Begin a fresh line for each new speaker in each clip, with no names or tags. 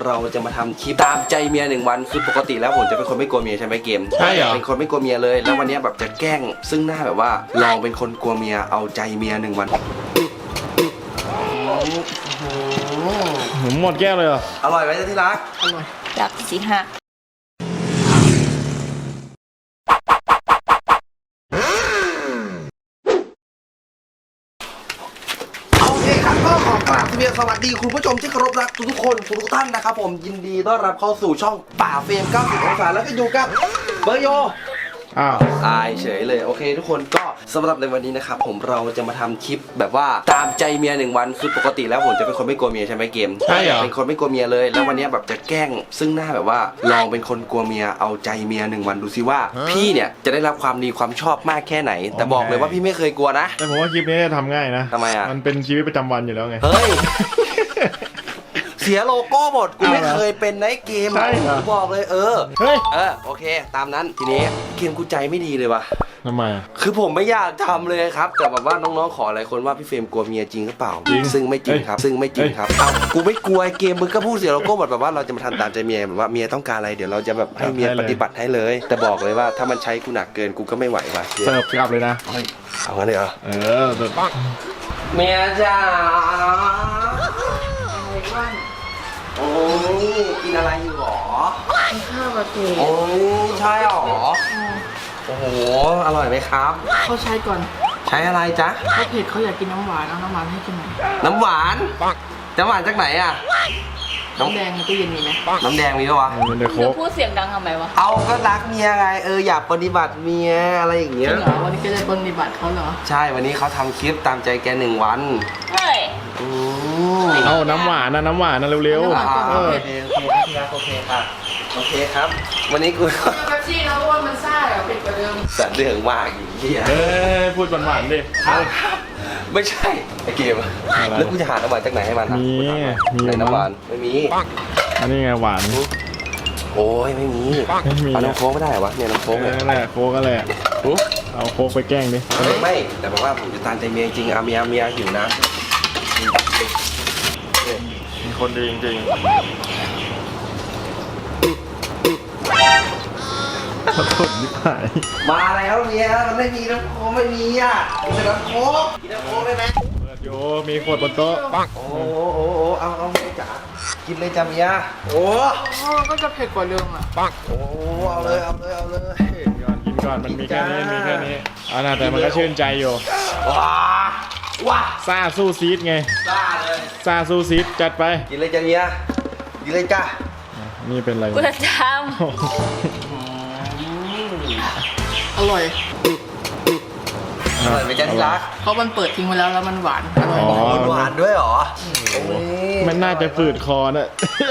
เราจะมาทำคลิปตามใจเมีย1 วันคือปกติแล้วผมจะเป็นคนไม่กลัวเมียใช่ไหมเกม
ใช่เหรอ
เป็นคนไม่กลัวเมียเลยแล้ววันนี้แบบจะแกล้งซึ่งหน้าแบบว่าลองเป็นคนกลัวเมียเอาใจเมีย1 วัน
หมดแก้วเลยเหรอ
อร่อยไหมจ๊ะที่รัก
อร่อย
รักสิฮะ
ก็ขอกราบสวัสดีคุณผู้ชมที่เคารพรักทุกคนทุกท่านนะครับผมยินดีต้อนรับเข้าสู่ช่องป่าเฟรม90 องศาแล้วก็อยู่กับเบอร์โยตายเฉยเลยโอเคทุกคนก็สำหรับในวันนี้นะครับผมเราจะมาทำคลิปแบบว่าตามใจเมีย1 วันคือปกติแล้วผมจะเป็นคนไม่กลัวเมียใช่ไหมเกม
ใช่เหรอ
เป็นคนไม่กลัวเมียเลยแล้ววันนี้แบบจะแกล้งซึ่งหน้าแบบว่าลองเป็นคนกลัวเมียเอาใจเมีย1 วันดูซิว่าพี่เนี่ยจะได้รับความดีความชอบมากแค่ไหนแต่บอกเลยว่าพี่ไม่เคยกลัวนะ
แต่ผมว่าคลิปนี้ทำง่ายนะ
ทำไมอ่ะ
มันเป็นชีวิตประจำวันอยู่แล้วไง
เฮ้ยเสียโลโก้หมดกูไม่เคยเป็นในเกมกูบอกเลย
เฮ้ย
โอเคตามนั้นทีนี้เกมกูใจไม่ดีเลยว่ะ
ทำไม
คือผมไม่อยากทำเลยครับแต่แบบว่าน้องๆขอหลายคนว่าพี่เฟรมกลัวเมียจริงหรือเปล่าซึ่งไม่จริงครับกูไม่กลัวเกมมึงก็พูดเสียโลโก้แบบว่าเราจะมาทำตามใจเมียแบบว่าเมียต้องการอะไรเดี๋ยวเราจะแบบให้เมียปฏิบัติให้เลยแต่บอกเลยว่าถ้ามันใช้กูหนักเกินกูก็ไม่ไหวว่ะ
เสิร์ฟกลับเลยนะ
เอางั้นเลยเหรอเมียจ๋าโอ้ยกินอะไรอยู่หรอ
กินข้าวกับเก
โอ้ยใช่หรอโอ้โหอร่อยไหมครับ
เขาใช้ก่อน
ใช้อะไรจ๊ะ
เขาเผ็ดเขาอยากกินน้ำหวานเอาน้ำหวานให้กินหน่อย
น้ำหวานจากไหนอ่ะ
น้ำแดงในตู้เย็นมีไหม
น้ำแดงมีปะวะ
เดี๋ยว
พูดเสียงดังทำไมวะ
เอาก็รักเมียไงอยากปฏิบัติเมียอะไรอย่างเงี้ย
จริงเหรอวันนี้ก็ได้ปฏิบัติเขาเหรอ
ใช่วันนี้เขาทำคลิปตามใจแก1 วัน
เฮ้ย
เอาน้ำหวานนะเร็ว
ๆโอเคค่ะโอเคครับวันนี้กู
แป๊บซี่นะเพราะว่ามันซ่าเผ็ดกว่าเดิม
สัตว์เรื่องมากอย่างเงี้ย
พูดหวานๆดิ
ไม่ใช่ไอเกมแล้วกูจะหาน้ำหวานจากไหนให้มัน
มี
น้ำหวานไม่มี
อันนี้ไงหวาน
โอ้ยไม่มีเอาน้ำโค้กไม่ได้เหรอวะเนี่ยน้ำโค้กเนี่ย
นั่นแหละโค้กก็เลยเอาโค้กไปแกล้งดิ
ไม่แต่บอกว่าผมจะตามใจเมียจริงเมียหิวนะ
มีคนดีจริงขอโทษนิดหน่อย
มาแล้วเมียมันไม่มีน้ำโค้กไม่มีอ่ะกินน้ำโค้กได้ไหม
เปิดโยมีขวดบนโต๊ะ
โอ้เอาเลยจ๋ากินเลยจ้าเมียโอ้
ก็จะเผ็ดกว่าเดิมอ่ะ
โอ้เอาเลย
กินก่อนมันมีแค่นี้เอานะแต่มันก็ชื่นใจอยู่
ว้า
ซ่าสู้ซีดไงซ่าสู้ซีดจัดไป
กินเลยจ้าเมียกินเลยจ้า
นี่เป็นอะไร
กูจะท
อร่อย
ไม่จ้าที่รัก
เพราะมันเปิดทิ้งไว้แล้วมันหวานอร่อย
หวานด้วยหรอ
มันน่าจะฝืดคอน่ะ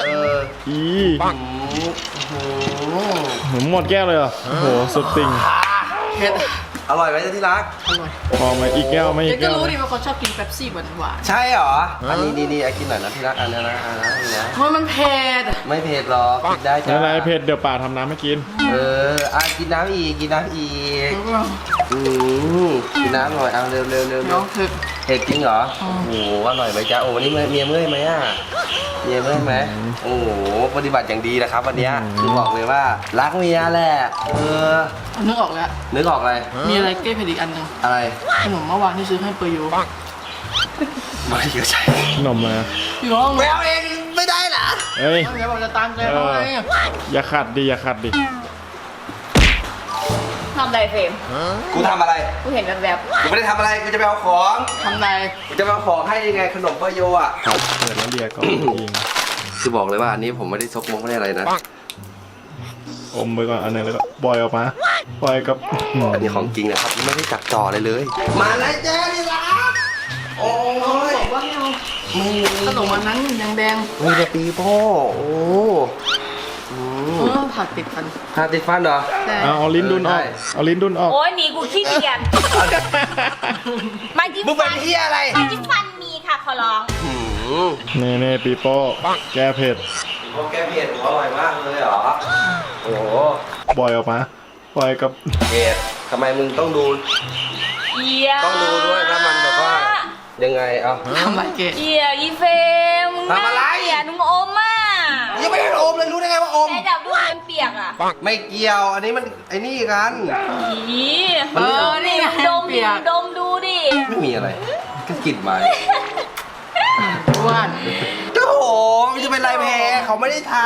หมดแก้วเลยเหรอโอ้โหสุดติ่ง
เผ็ด
อร่อยไหมจ๊ะที่รัก
อร่อย
พอมาอีกแก้วไหมอีกแก้ว
ก็รู้ดิว่าเขาชอบกินเป๊ปซี่หวาน
ใช่เหรออันนี้กินหน่อยนะที่รักอันนี้นะ
เพราะมันเผ็ด
ไม่เผ็ดหรอกกินได้จ้ะ
อะไรเผ็ดเดี๋ยวป่าทำน้ำให้กิน
กินน้ำอีกกินน้ำหน่อยเอาเร็ว
น้องเ
ผ็ดจริงเหรอโอ้โหอร่อยไหมจ๊ะโอ้วันนี้เมียเมื่อยไหมอ่ะเมียเมื่อยไหมโอ้โหปฏิบัติอย่างดีนะครับวันนี้คือบอกเลยว่ารักเมียแหละ
นึกออกแล้ว
นึกออกอะไร
มีอะไรแก้เผ็ดอีกอันนึง
อะไร
ขนมเมื่อวานที่ซื้อให้เปย์ยู
ไม่เยอะใช่
ขนมมา
อยู่ห้อง
แมวเองไม่ได้เหรอ
เฮ้ย
เดี๋ยวบอกจะตามใจเขาไง
อย่าขัดดิ
ำทำไรเฟรม
กูทำอะไร
กูเห็นแบบ
กูไม่ได้ทำอะไรกูจะไปเอาของ
ทำไร
กูจะไปเอาของให้ยังไงขนมเปโยอ่ะ
เปิดแล้วเรียก่อนยิง
คือบอกเลยว่าอันนี้ผมไม่ได้ซกมกไม่ได้อะไรนะ
อมไปก่อนอันนึงแล้วก็บอยออกมาบอยกับ
อันนี้ของจริงนะครับไม่ได้จับจ่อเลยมาเลยเจ๊นี่ละโอ้ย
บอกว่าไม่ขนมวันนั้นแดง
มีแต่ปีโป้โอ้
ผักติดฟั
นเหรอ
เอาลิ้นดุนออก
โอ้ยหนีกูขี้เกียจ
มึงเป็นเฮียอะไร
มาจิ้มฟันมีค่ะขอร้อง
นี่ปีโป้แก้เผ็ด
แก้เผ็ดอร่อยมากเลยเหรอโอ้
บอยออกมาบอยกับ
เผ็ดทำไมมึงต้องดูด้วยแล้วมันแบบว่ายังไงเอา
ทำอะไรเกศ
อีเฟม
ทำอะไร
นุ่งอมอ่ะ
ยังอม
แม่จับดูมันเปียกอ่ะ
ไม่เกี่ยวอันนี้มันไอ้นี่กัน
อี
นี่ไง
ดม
เปี
ดิ
ยก
ดมดูดิ
ไม่มีอะไรก็กลิ่นไม้
อ้วน
โอ้โหมันจะเป็นไรแพ้เขาไม่ได้ท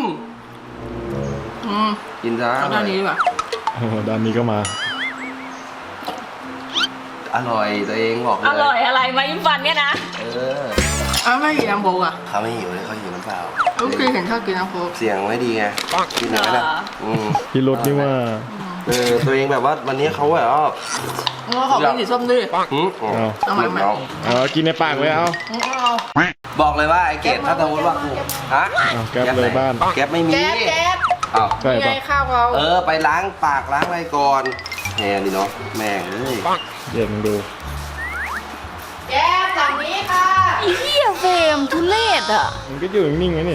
อืม
ำกินซะ
เอาด้านนี้ดีกว่า
โอ้โหด้านนี้ก็มา
อร่อยตัวเองบอกเลย
อร่อยอะไรมายิ้มฟันเนี่ยนะ
เออ
อ้าวไม่กินน้ำโบกอ่ะ
เขาไม่หิวเลยเขาหิวน้ำเปล่า
ลูกเคยเห็นชอบกินน้ำโบก
เสียงไม่ดีไงกินอย่างนั้น
เหร
นะ
อ
พี่รถนี่ว่า
ตัวเองแบบว่าวันนี้เขาแบบว่า
งั้นขอเป็นสีส้มด้วย
หืม
เอาใหม่
เอากินในปากเลยเอา
เอา
บอกเลยว่าไอ้เกดถ้าสมมติว่ากูฮะ
เอาแก๊ปเลยบ้าน
แก๊ปไม่มี
แก๊บแก๊บ
อ้าว
ใช่
นี่ไง
ปะ
ข้าวเรา
ไปล้างปากล้างอะไรก่อนแหมดิเนาะแม่งเลย
เย็นดู
แก๊บหลังนี้ค่ะ
ไอ้เหี้ยเฟรมทุเรศอ่ะ
มันก็อยู่นิ่งๆไว้นี่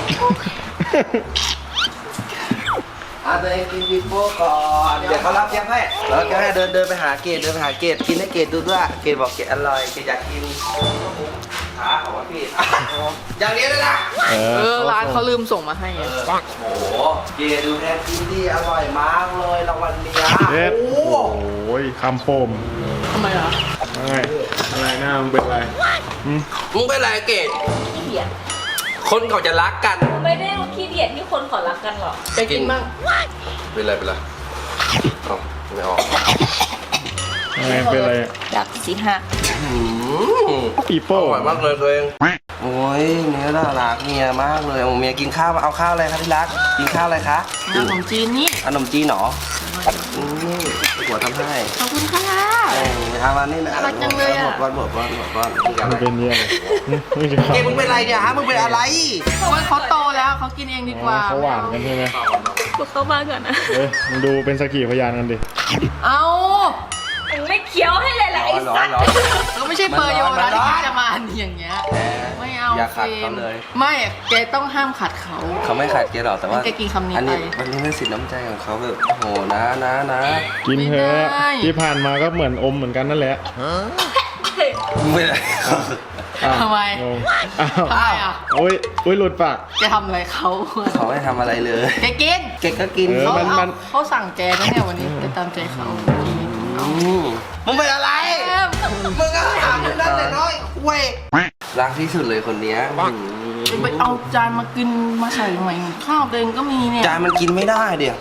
ตัวเองกินบิโป้ก่อนเดี๋ยวเขารับแก๊ปให้แล้วแก๊ปให้เดินไปหาเกดกินให้เกดดูด้วยเกดบอกเกดอร่อยเกดอยากกินขาของว่าพี่อย่างนี้เลยนะ
ร้านเขาลืมส่งมาให้ไง
โอ้โหเกดดูแทนกินดีอร่อยมากเลยรางวัลเนี้ย
เด็ด
โอ้
โอ้ยคำโปม
ทำไมอ่ะ
อะไรหน้ามึงเป็นไร
มึงเป็นไรเกด
ขี้เดียด
คนเขาจะรักกัน
ไม่ได้ขี้เดียดที่คนขอรักกันหรอก
แกกินบ้าง
เป็นไรเอาไม่ออก
อะไรเป็นไร
ดักสิฮะ
ปี
อ
โป้
ร่อยมากเลยตัวเองโอ้ยเนื้อน่ารักเมียมากเลยโอ้เมียกินข้าวเอาข้าวอะไรคะที่รักกินข้าวอะไรคะ
ขนมจีนนี่
ขนมจีนเหรอหัวทำให้
ขอบคุณค่ะ
เอามานี่นะ
น่ารักจังเลยอะ
หมดก้อนนี่กัน
มันเป็นเนี่ยไม่ใช่
เกมึงเป็นไรเนี่ยฮะมึงเป็นอะไร
เขาโตแล้วเขากินเองดีกว่า
เขาหวานกันใช่ไหม
บอกเข้าบ้านก่อนนะ
เฮ้ยมึงดูเป็นสักขีพยานกันดิ
เอา
มึงไม่เคี้ยวให้เลยแหละไอ้สัตว์
เราไม่ใช่เปอร์โยนะที่จะมาอย่างเงี้ยไม่เอา
อย่าขัดเขาเลย
ไม่แกต้องห้ามขัดเขา
เขาไม่ขัดเกหรอกแต่ว่า
แกกินคำนี้
อันนี้
ไป
วันนี้เป็นสิทธิ์น้ำใจของเขาแบบโอ้โหนะ
กินเถอะ
ไม่ได้
ที่ผ่านมาก็เหมือนอมเหมือนกันนั่นแหละ
มึงเป็นอะไร
อ้าว
ทำไม
งงอ้าว
ทำไมอ่ะ
โอ้ยหลุดปาก
แกทำอะไรเขา
เขาไม่ทำอะไรเลย
แกกิน
เกก็กิน
เออ
เขาสั่งแกนะเนี่ยวันนี้ไปตามใจเขา
มึงเป็นอะไร มึงก็ถามนั่นแต่น้อยเว้ยรักที่สุดเลยคนเนี้ย
ไปเอาจานมากินมาใส่ใหม่ข้าวเองก็มีเนี่ย
จานมันกินไม่ได้เดี๋ยว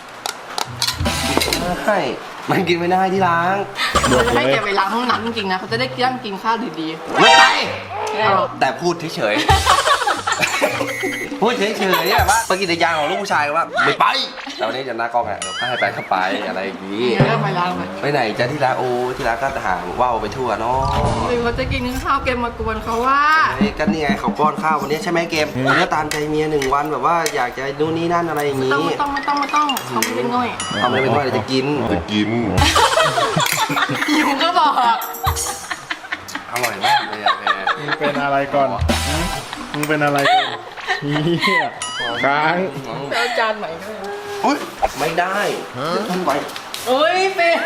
ใช่มันกินไม่ได้ที่ล้าง
เราจะให้แกไปล้างห้องน้ำจริงๆนะเขาจะได้นั่งกินข้าวดี
ไม่ไป
ๆเอา
แต่พูดเฉยๆ พูดเฉยๆเนี่ยว่าปฏิกิริยาของลูกผู้ชายว่าไม่ไปแต่วันนี้จะหน้ากล้องอ่ะเดี๋ยวให้ไปเข้าไปอะไรอย่างนี้
เนี่ยก็ไปล้างไป
ไปไหนจะที่ร้านโอ้ที่ร้านก็หางว่าวไปทั่วเนาะ
หรือเขาจะกินข้าวแกมากวนเขาว่า
เฮ้ยก็นี่ไงเขาป้อนข้าววันนี้ใช่ไหมเกมวันนี้ตามใจเมีย1 วันแบบว่าอยากจะนู่นนี่นั่นอะไรอย่างนี้
ไม่ต้องเขาไม่ได้ง่อย
ทำอะไรเป็นว่าเดี๋ยวจะกิน
หิวก็บอก
อร่อยมากเลยอะแม่
มึงเป็นอะไรก่อนมึงเป็นอะไรก่อนเฮียค้าง
ไปเอาจานใหม่ด้วย
อุ๊ยไม่ได้ทำไม
โอ้ยเฟย์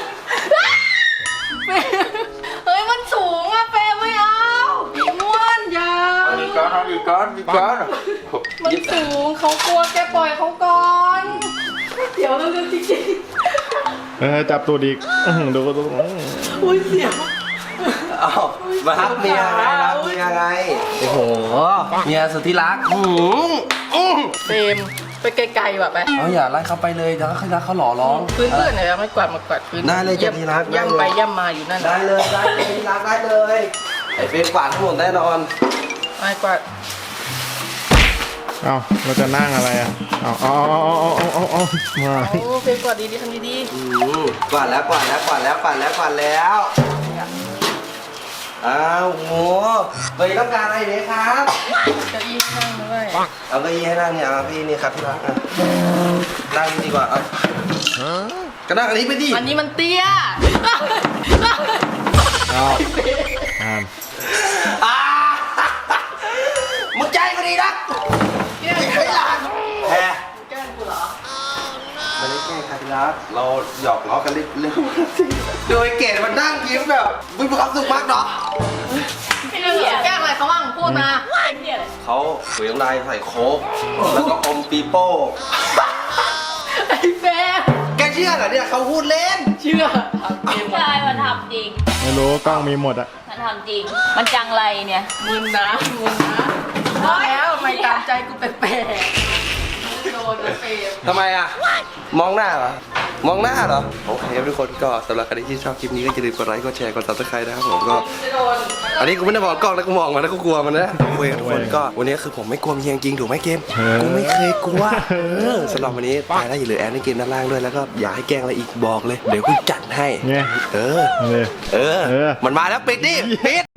เฮ้ยมันสูงอะเฟย์ไม่เอาม้วนยาว
อีกก้อน
มันสูงเขากลัวแกปล่อยเขาก่อนเดี๋ยวเราจะจริง
จับตัวดีดู
ๆอุ้ยเสียว
อ้าวมารักเมียไงรักเมียไงโอ้โหเมียสุดที่รัก
เฟรมไปไกลๆแบบไป
เอาอย่าไล่เขาไปเลยเดี๋ยวเขาหล่อร้อง
พื้นๆหน่อยไม่กวาดมากวาดพื้น
ได้เลยจะที่รัก
ย่ำไปย่ำมาอยู่นั่น
ได้เลยที่รักได้เลยไอ้เฟรมกวาดทั้งหมดแน่นอน
ไม่กวาด
เอาเราจะนั่งอะไรอ่ะเอามา
โอ้เฟรมกวาดดีๆทำดี
กวาดแล้วอ้าวโหไปต้องการอะไรเนี่ยครับ
ๆเก้าอี้ข้างด้วย
เอาเก้าอี้ให้นั่งเนี่ยเอาพี่นี่ครับที่รักนั่งดีกว่าเอาก็นั่งอันนี้ไปดิ
อันนี้มันเตี้ย
เอาอ่าน
มึงใจก็ดีนักไม่หลานแพ้
แกล้งกูเหรอ
ไม่ได้แกล้งค่ะที่รักเราหยอกล้อกันเรื่องโดยเกดมันนั่งยิ้มแบบมีความสุขมากเนาะ
เป็นอะไรแกล้งอะไรเขาบ้างพูดมา
เป็นเหี้ยอะไร
เขาถุยน้ำลายใส่โค้กแล้วก็อมปีโป้
ไอ้แฟน
แกเชื่อเหรอเนี่ยเขาพูดเล่น
เชื่อทำเกม
ใช่มันทำจริง
ไม่รู้กล้องมีหมดอะ
มันทำจริง มันจังไรเนี่ย
มึนนะว่าแล้วทำไมตามใจกูแปลกๆโดนนะเฟรม
ทำไมอ่ะ มองหน้าเหรอ มองหน้าเหรอ โอเคครับทุกคนก็สำหรับใครที่ชอบคลิปนี้ก็อย่าลืมกดไลค์ กดแชร์ กด subscribe นะครับผมก็
จะโดน
อันนี้กูไม่ได้บอกกล้องนะกูมองมันแล้วกูกลัวมันนะโอเคทุกคนก็วันนี้คือผมไม่กลัวเมียจริงถูกไหมเกม กูไม่เคยกลัวสำหรับวันนี้ตายแล้วอย่าลืมแอดในเกมด้านล่างด้วยแล้วก็อยากให้แกล้งอะไรอีกบอกเลย เดี๋ยวกูจัดให้
เนี่ย
เออ
เลย
มันมาแล้วปิดดิปิด